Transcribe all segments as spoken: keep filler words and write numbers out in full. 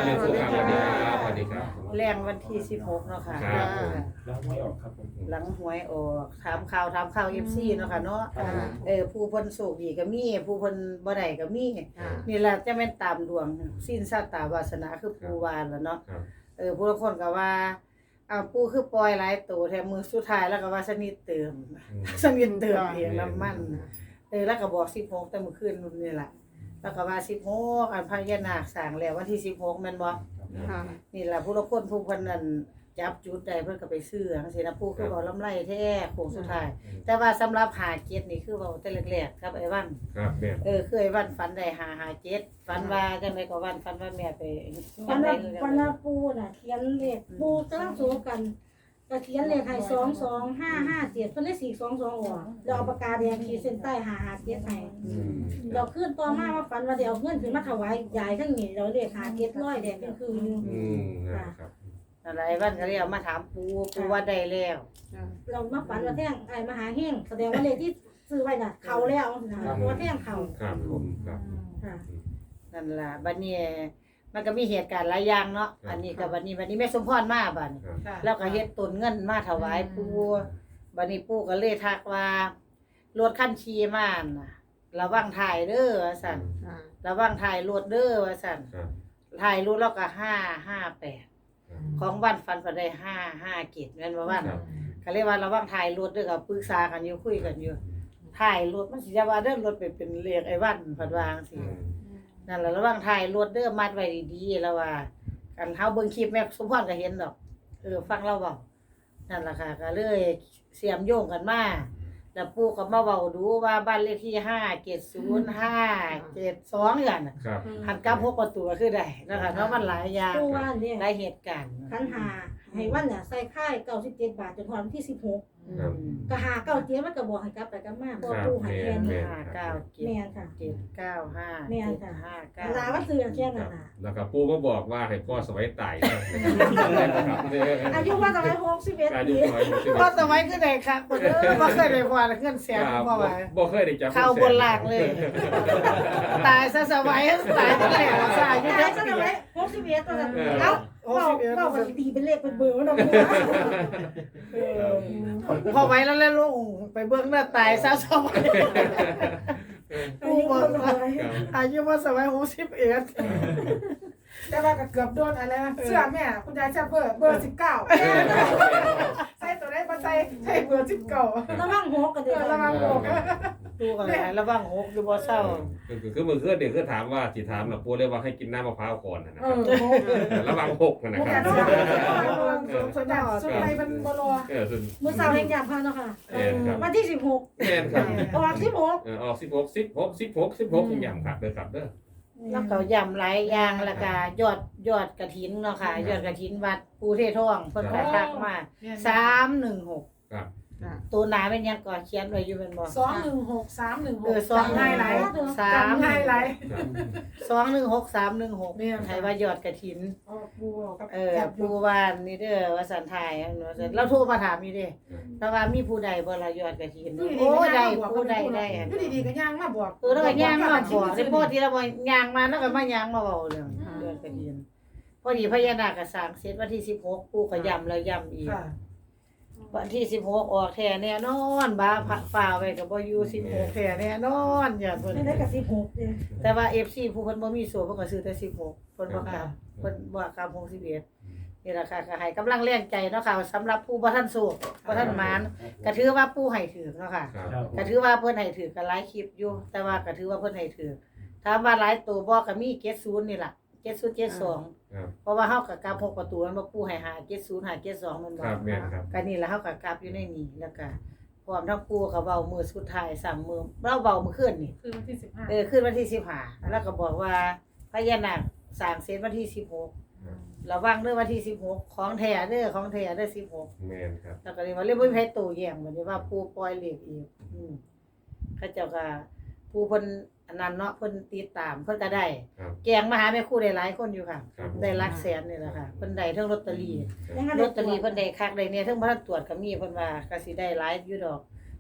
เรื่องคู่ครับสวัสดีครับสวัสดีครับแรงวันที่สิบหกเนาะค่ะครับหลังหวยออกครับผมหลังหวยออกถามข่าวถามข่าว เอฟ ซี เนาะค่ะเนาะเออผู้เพิ่นโชคดีก็มีผู้เพิ่นบ่ได้ก็มีนี่แหละจะแม่นตามดวงสิ้นชาตาวาสนาคือปู่ว่าล่ะเนาะครับเออผู้ละคนก็ว่าอ้าวปู่คือปล่อยหลายตัวแถมมือสุดท้ายแล้วก็ว่าสนิทเติมสนิทเติมเองน้ำมันเออแล้วก็บอกสิบหกแต่เมื่อคืนนี่ล่ะแล้วก็ว่าสิบหกอันพญานาคสร้างแล้ววันที่สิบหกแม่นบ่ค่ะนี่ล่ะผู้ละคนผู้เพิ่นนั่นจับจุดได้เพิ่นก็ไปซื้อจังซี่นะผู้คือเว้าลำไรแท้โค้งสุดท้ายแต่ว่าสำหรับหาเจ็ดนี่คือเว้าแต่แรกๆครับไอ้วันครับแม่เออคือไอ้วันฝันได้หาหาเจ็ดฝันว่าจังไดก็วันฝันว่าแม่ไปวันละวันละปูน่ะเขียนเลขปูกำลังสู้กันก็เขียนเลขให้สองสองห้าห้าเจ็ดเพิ่นได้สี่สองสองออกแล้วเอาปากกาแดงขีดเส้นใต้หาหาเจ็ดให้อืมเราขึ้นต่อมาว่าฝันว่าเดี๋ยวเอาเงินขึ้นมาถวายยายทั้งนี้เราเลขหาเจ็ดร้อยแดงเป็นคืออยู่อืมครับนั่นล่ะไอ้วันก็เลยเอามาถามปู่ปู่ว่าได้แล้วเรามาฝันว่าแท่งไอ้มหาเฮงแสดงว่าเลขที่ซื้อไว้น่ะเขาแล้วนะเพราะว่าแท่งเขาครับผมครับค่ะนั่นล่ะบัดนี้มันก็มีเหตุการณ์หลายอย่างเนาะอันนี้ก็บัดนี้บัดนี้แม่สมพรมาบัดนี้ครับแล้วก็เฮ็ดต้นเงินมาถวายปู่บัดนี้ปู่ก็เลยทักว่ารถคันขี่มาน่ะระวังถ่ายเด้อว่าซั่นระวังถ่ายรถเด้อว่าซั่นครับถ่ายรถแล้วก็ห้า ห้า แปดของวันฟันฟันได้ห้า ห้าเกตแม่นบ่วันก็เลยว่าระวังถ่ายรถเด้อก็ปรึกษากันอยู่คุยกันอยู่ถ่ายรถมันสิจะว่าเด้อรถเป็นเป็นเลขไอ้วันเพิ่นว่าจังซี่นั่นล่ะระวังถ่ายรถเด้อมัดไว้ดีๆแล้วว่ากันเฮาเบิ่งคลิปแม่สมพรก็เห็นดอกเออฟังเราเว้านั่นล่ะค่ะก็เลยเสียมโยงกันมาแล้วปู่ก็มาเว้าดูว่าบ้านเลขที่ห้า เจ็ด ศูนย์ ห้า เจ็ด สองอย่างน่ะครับหันกลับหกประตูก็คือได้นะคะเพราะมันหลายอย่างปูว่าเนี่ยหลายเหตุการณ์ขันหาให้วันน่ะใส่ค่ายเก้าสิบเจ็ดบาทจนถึงวันที่สิบหกครับก็หาเก้าเจ็ดมันก็บอกให้กลับไปกลับมาเพราะปูใหายแค่นี้ห้าเก้าเจ็ดแม่นค่ะเจ็ดเก้าห้าแม่นเจ็ดค่ะห้าเก้าเวลาว่าซื้อแค่นั้นน่ะแล้วก็ปู่ก็บอกว่าให้พ่อสวัยตายครับอายุว่าทำไมหกสิบเอ็ดอายุปีน้อยพอสมัยคือได้ค่ะคนเด้อบ่เคยได้พอเงินแสนครับบ่ว่าบ่เคยได้จับเข้าบนหลักเลย ตายซะสมัยตายตั้งแต่ซะอายุยาจัยกจะปีทำไมหกสิบเอ็ดตอนนั้นเออเอ้าเราเราไปตีเป็นเลขเป็นเบอร์เนาะเออพอไว้แล้วแล้วลงไปเบิ่งหน้าตายซะสมัยกูบอกว่าอายุว่าสมัยหกสิบเอ็ดแต่ว่าก็เกือบโดนอะไรนะเสื้อแม่คุณยายเสื้อเบอร์เบอร์สิบเก้าใส่ตัวได้มาใส่ใส่เบอร์สิบเก้าระวังหกกันเดี๋ยวระวังหกดูกันหลายระวังหกอยู่บ่เศร้าคือคือมือคือเด็กคือถามว่าสิถามน่ะปู่เรียกว่าให้กินน้ำมะพร้าวก่อนนะคเอรับอระวังหกนะหกครักับ นระวังสมสมบัติสุดในเป็นบอลเออส่วนมือสาวแห่งยามพาเนาะค่ะเออครับวันที่สิบหกแม่นครับออกสิบหกเออออกสิบหก สิบหก สิบหก สิบหกอย่างครับเด้อครับเด้อแล้วก็ย่ำหลายอย่างแล้วก็ยอดยอดกฐินเนาะค่ะยอดกฐินวัดปูเททองเพิ่นก็ทักมาสามหนึ่งหกครับตัวหนาเป็นหยังก่อนเขียนไว้อยู่เป็นบ่สองหนึ่งหกสามหนึ่งหเอก อสองง่ายไรสามจำง่ายไรครับสองหนึ่งหกสามหนึ่งหกเนี่ยให้ว่ายอดกฐินออกบัวกับเออปูวานนี่เด้อว่าสันทายอันว่าซั่นเราโทรมาถามอยู่เด้แต่ว่ามีผู้ใดบ่ล่ะยอดกฐินโอ้ได้ผู้ใดได้อันอยู่ดีๆก็ย่างมาบอกเออแล้วก็ย่างมาบอกสิพอที่เราบ่ย่างมาแล้วก็มาย่างมาเว้าเรื่องยอดกฐินพอดีพญานาคก็สร้างเสร็จวันที่สิบหกปู่ก็ย้ำแล้วย้ำอีกค่ะวันที่สิบหกออกแท้แน่นอนบ้าผักฝ่าไว้ก็บ่อยู่สิบหกแท้แน่นอนอย่าเพิ่นไม่ได้กับสิบหกเลยแต่ว่า เอฟ ซี ผู้เพิ่นบ่มีสูตรเพิ่นก็ซื้อแต่สิบหกเพิ่นบ่กลับเพิ่นบ่กลับหกสิบเอ็ดนี่ล่ะค่ะก็ให้กำลังแรงใจเนาะค่ะสำหรับผู้บ่ทันสูตรบ่ทันหมานก็ถือว่าปู่ให้ถือเนาะค่ะครับก็ถือว่าเพิ่นให้ถือก็หลายคลิปอยู่แต่ว่าก็ถือว่าเพิ่นให้ถือถามว่าหลายตัวบ่ก็มีเจ็ดสิบนี่ล่ะเจ็ดสิบ เจ็ดสิบสองครับเพราะว่าเฮาก็กลับหกประตูมันบ่ปู่ให้หาเจ็ดสิบ หาเจ็ดสิบสองมันบ่ครับแม่นครับก็นี่แหละเฮาก็กลับอยู่ในนี้แล้วก็พร้อมทั้งปู่ก็เว้ามื้อสุดท้ายสามมื้อเราเว้ามื้อคืนนี่คือวันที่สิบห้าเออคืนวันที่สิบห้าแล้วก็บอกว่าพญานาคสร้างเสร็จวันที่สิบหกระวังเด้อวันที่สิบหกของแท้เด้อของแท้เด้อสิบหกแม่นครับแล้วก็เลยว่าเรื่องบ่มีไผโตแย้งบัดนี้ว่าปู่ปล่อยเลขอีกอืมเขาเจ้าก็ผู้เพิ่นอันนั้นเนาะเพิ่นติดตามเพิ่นก็ได้ครับแกงมาหาแม่ครูได้หลายคนอยู่ค่ะครับได้หลักแสนนี่แหละค่ะเพิ่นได้เทั้งลอตเตอรี่ยังไงลอตเตอรี่เพิ่นได้คักได้เนี่ยเทั้งบ่ทันตรวจก็มีเพิ่นว่าก็สิได้หลายอยู่ดอก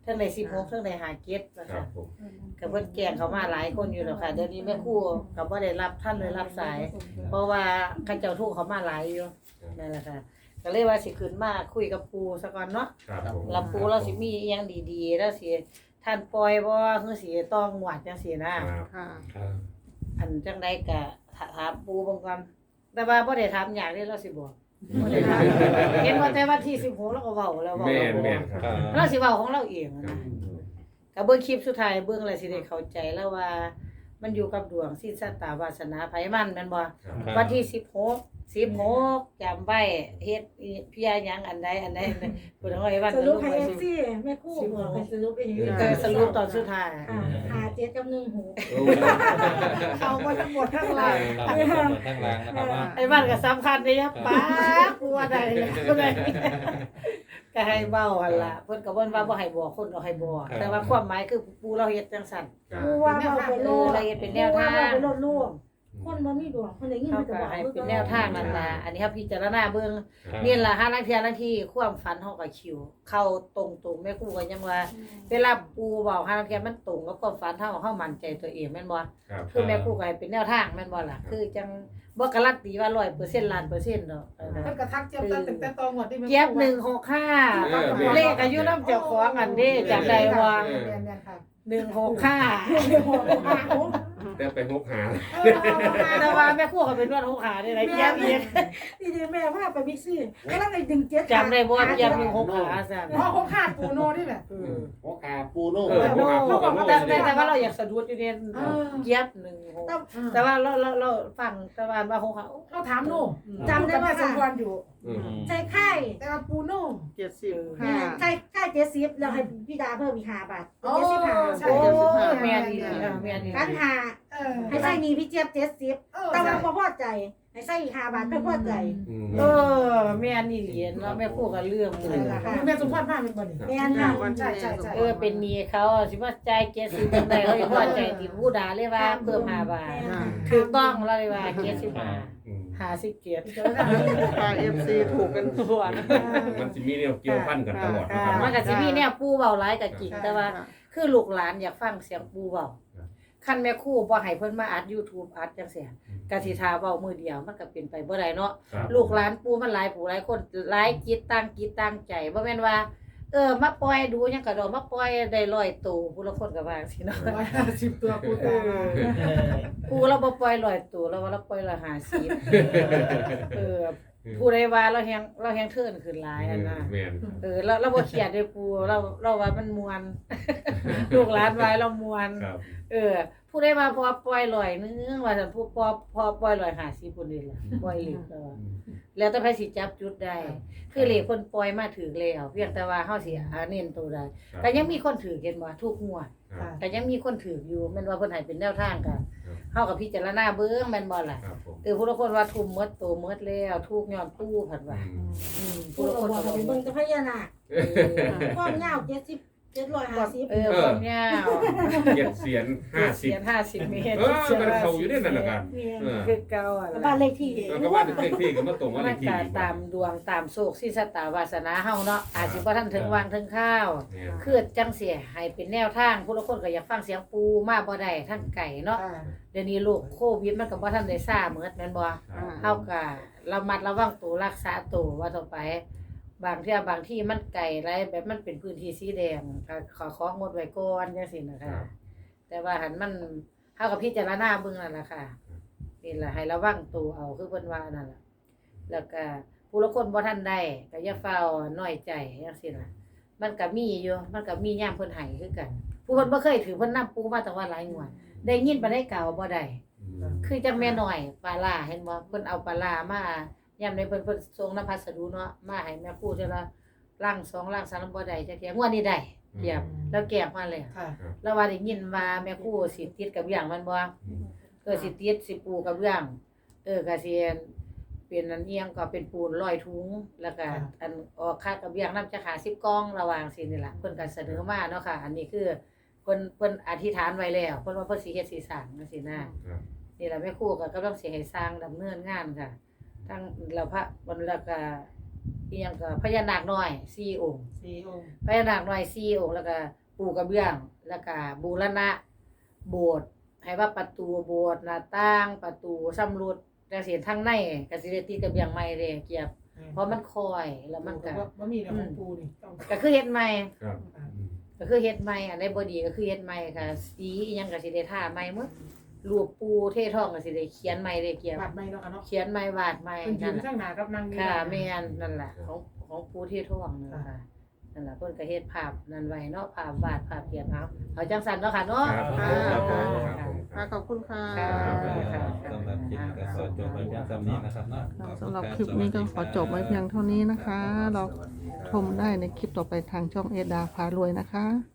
เทิงได้สิบหกเทิงได้ห้าเจ็ดว่าครัซั่บนผมก็เพิ่นแกล้งเขามาหลายคนอยู่แล้วค่ะเดี๋ยวนี้แม่ครูก็บ่ได้รับท่านเลยรับสาย เพราะว่าเขาเจ้าทุกข์เขามาหลายอยู่นั่นแหละค่ะก็เลยว่าสิขึ้นมาคุยกับปู่ซะก่อนเนาะครับผมแล้วปู่เราสิมีอีหยังดีๆแล้วสิท่านปล่อยบ่คือสิต้องหวดจังซี่นะครับค่ะครับอันจังไดก็ถามปู่เบิ่งก่อนแต่ว่าบ่ได้ถามยากเด้เราสิบอกบ่ได้ถามเห็นว่าแต่วันที่สิบหกเราก็เว้าแล้วเว้าแม่นแล้วแม่นครับเราสิเว้าของเราเองครันะบก็เบิ่งคลิปสุดท้ายเบิ่งแล้วสิได้เข้าใจแล้วว่า มันอยู่กับดวงสิ้นชะตาวาสนาไผมันแม่นบ่ครับวันที่สิบหก สิบหกจำไว้เฮ็ดอีเพียหยังอันใดอันใดอันใดพุ่นเอาไว้วันสก็รุรู้ปให้ไว้เอฟสิซีแม่ครู่บอกให้สรุปเองเออสรุปตอนสุดท้ายอ่าหาเจ็ดกับหนึ่งหูโอ้เอามาทั้งหมดทั้งหลายครับทั้งหลังนะครับว่าไอ้บ้านก็สำคัญเด้ยะป๊ากูว่าได้ก็ได้ก็ให้เว้าหั่นล่ะเพิ่นก็เพิ่นว่าบ่ให้บอกคนก็ให้บอกแต่ว่าความหมายคือปู่เราเฮ็ดจังซั่นครับกูว่าเราไปโลดเราเฮ็ดเป็นแนวทางกูว่าเราไปโลดลูกคนบ่มีดวงคนได้ยินเขามันจะก็บอกให้เป็นแนวทางนั่นล่ะอันนี้เฮาพิจารณาเบิ่งครับนี่ล่ะหาลางเที่ยลางที่ความฝันเฮาก็คิว เข้าตรงๆแม่ครูก็ยังว่า เวลาปู่เว้าหาลางเที่ยมันตรงกับความฝันเฮาเฮามั่นใจตัวเองแม่นบ่ครับคือแม่ครูก็ให้เป็นแนวทางแม่นบ่ล่ะคือจังบ่การันตีว่า ร้อยเปอร์เซ็นต์ ล้านเปอร์เซ็นต์ดอกเออเพิ่นก็ทักเจี๊ยบตั้งแต่ตอนงวดที่แม่เจี๊ยบหนึ่งหกห้าเลขอายุนำเจ้าของอันเด้จำได้ว่าแม่นๆค่ะหนึ่งหกห้าแต่ไปหกหาแต่ว่าแม่ครูก็เป็นนวดหกขาได้หลายเจี๊ยบอีกนี่ดิแม่พาไปบิ๊กซี่ก็แล้วไปดึงเจ็ดจำได้บ่เจี๊ยบหนึ่งหกขาซั่นเพราะเขาขาดปูโน่นี่แหละเออหัวขาปูโน่เออหกหาคู่กับโน่แต่สิแต่แต่ว่าเราอยากสะดุดอยู่เนี่ยเออเจี๊ยบหนึ่งหกแต่ว่าเราเราเราฟังแต่ว่าว่าหกขาเราถามโน่จำได้ว่าสมควรอยู่อืมใจไข่แต่ว่าปูโน่เจ็ดสิบไข่ห้าไข่ไข่เจ็ดสิบแล้วให้พี่ดาเพิ่มอีกห้าบาทโอ้เจ็ดสิบห้าใช่โอ้เจ็ดสิบห้าแม่ดีเออแม่ดีกันหาเออให้ใส่หนีพี่เจี๊ยบเจ็ดสิบเออแต่ว่าบ่พอใจให้ใส่อีกห้าบาทเพิ่นพอใจอืมเออแม่นี่เหรียญเนาะแม่พูดกับเรื่องเลยแม่สมควรมากเป็นบ่นี่แม่นค่ะใช่ใช่ใช่เออเป็นหนี้เขาสิว่าจ่ายเจ็ดสิบจังได๋เขาสิพอใจติผู้ด่าเลยว่าเพิ่มห้าบาทถูกต้องแล้วเลยว่าเจ็ดสิบห้าอืมห้าสิบเจ็ดพาเอฟซีถูกกันทั่วนะมันจะมีแนวเกี่ยวพันกันตลอดนะครับมันก็สิมีแนวปู่เว้าหลายก็จริงแต่ว่า คือลูกหลานอยากฟังเสียงปู่เว้าคันแม่ครูบ่ให้เพิ่นมาอัด YouTube อัดจังซี่ก็สิท่าเว้ามื้อเดียวมันก็เป็นไปบ่ได้เนาะครับลูกหลานปู่มันหลายผู้หลายคนหลายจิตตั้งจิตตั้งใจบ่แม่นว่า เออมาปล่อยดูหยังก็ดอกมาปล่อยได้ร้อยตัวผู้ละคนก็ว่าจังซี่เนาะร้อยห้าสิบตัวปูตาปู่เราบ่ปล่อยร้อยตัวเราว่าเราปล่อยร้อยห้าสิบเออผู้ใดว่าเราแฮงเราแฮงเทิร์นขึ้นหลายอันน่ะแม่นเออเราเราบ่เครียดเด้ปู่เราเราว่ามันม่วน ลูกหลานว่าเราม่วนครับเออ ผู้ใดว่าพอปล่อยร้อยนึงว่าซั่นผู้พอพอปล่อยร้อยห้าสิบพุ่นนี่ล่ะปล่อยเลขแล้ว แล้วแต่ไผสิจับจุดได้ คือเลขเพิ่นปล่อยมาถึงแล้วเพียงแต่ว่าเฮาสิหาเน้นตัวใดก็ยังมีคนถือเห็นบ่ทุกงวดครับก็ยังมีคนถืออยู่แม่นว่าเพิ่นให้เป็นแนวทางกันเฮาก็พิจารณาเบิ่งแม่นบ่ล่ะครับผมเออผู้ละคนว่าทุ่มหมดตัวหมดแล้วทุกย้อนตู้เพิ่นว่าอืมอืมผู้ผู้ละละคคน นก็ก็บ่ไปเบิ่เบิ่งงแต่พญานาคความยาวเจ็ดสิบเจ็ดร้อยห้าสิบเออความยาวเจ็ดเสียนห้าสิบเสียนห้าสิบเมตรเออมันเขาอยู่ในนั่นน่ะกัน เออคือเก่าอ่ะบ้านเลขที่แล้วก็ว่าเลขที่ก็มาตรงว่าเลมัขนที่ก็อีกตามดวงตามโชคสิสตาวาสนาเฮาเนาะอาจสิบ่ทันถึงวางถึงข้าวเนี่ยคือจังเสียให้เป็นแนวทางผู้ละคนก็อยากฟังเสียงปูมาบ่ได้ทั้งไก่เนาะเดี๋ยวนี้โรคโควิดมันก็บ่ทันได้ซ่าเหมือนแม่นบ่ครับเฮาก็ระมัดระวังตัวรักษาตัวว่าต่อไป บางเที่ยบางที่มันไกลไรแบบมันเป็นพื้นที่สีแดงก็ขอของงดไว้ก่อนจังซี่นะครัคะบแต่ว่าหันมันเฮาก็พิจารณาเบิ่งนั่นล่ะค่ะนี่ล่ะให้ระวังตัวเอาคือเพิ่นว่านั่นล่ะแล้วก็ผู้ละคนบ่ทันได้ก็อย่าเฝ้าน้อยใจจังซี่ล่ะ มันก็มีอยู่มันก็มียามเพิ่นให้คือกัน ผู้เพิ่นบ่เคยถือเพิ่นนำปูมาตั้งว่าหลายงวดได้ยินบ่ได้กล่าวบ่ได้อืมคือจังแม่น้อยปลาร้าเห็นบ่เพิ่นเอาปลาร้ามายามใดเพิ่นเพิ่นส่งน้ำพัสดุเนาะมาให้แม่ครูเทื่อละลังสองลังสามบ่ได้จักเที่ยงวดนี้ได้เกียบแล้วแก็บมาแล้วค่ะแล้วว่าได้ยินว่าแม่ครูสิติดกับอย่างมันบ่เออสิติดสิปูกับเรื่องเออก็สิเป็นอันเอียงก็เป็นปูนร้อยถุงแล้วก็อันออกค่ากับอย่างนำจะหาสิบกล่องระหว่างสินี่ล่ะเพิ่นก็เสนอมาเนาะค่ะ อันนี้คือเพิ่นเพิ่นอธิษฐานไว้แล้วเพิ่นว่าเพิ่นสิเฮ็ดสิสร้างจังซี่นะครับนี่แหละแม่ครูก็กำลังสิให้สร้างดำเนินงานค่ะทั้งเราพระวันแล้วก็อีหยังก็พญานาคน้อยสี่องค์สี่องค์พญานาคน้อยสี่องค์แล้วก็ปูกระเบื้องแล้วก็บูรณะโบสถ์ให้ว่าประตูโบสถ์หน้าต่างประตูสำรุดแต่เสียทางในก็สิได้ติดกระเบื้องใหม่เด้เกียบเพราะมันคอยแล้วมันก็ว่ามีแต่ของปูนี่ต้องก็คือเฮ็ดใหม่ครับก็คือเฮ็ดใหม่อันใดบ่ดีก็คือเฮ็ดใหม่ค่ะสีอิหยังก็สิได้ทาใหม่หมดรูปปูเททองก็สิได้เขียนใหม่ได้เกียบบาดไม่เนาะค่ะเนาะเขียนใหม่วาดใหม่เป็นยืนั่นนแหละข้างหน้ากับนางนี่ค่ะแม่นนั่นล่ะของของปูเททองนั่นล่ะค่ะนั่นล่ะเพิ่นก็เฮ็ดภาพนั่นไว้เนาะภาพวาดภาพเขียนเอาเอาจังซั่นเนาะค่ะเนาะครับผมครับผมครับผมค่ะขอบคุณค่ะค่ะสำหรับคลิปนี้ก็ขอจบไว้เพียงเท่านี้นะครับเนาะสำหรับคลิปนี้ก็ขอจบไว้เพียงเท่านี้นะคะ เราชมได้ในคลิปต่อไปทางช่องเอดาพารวยนะคะ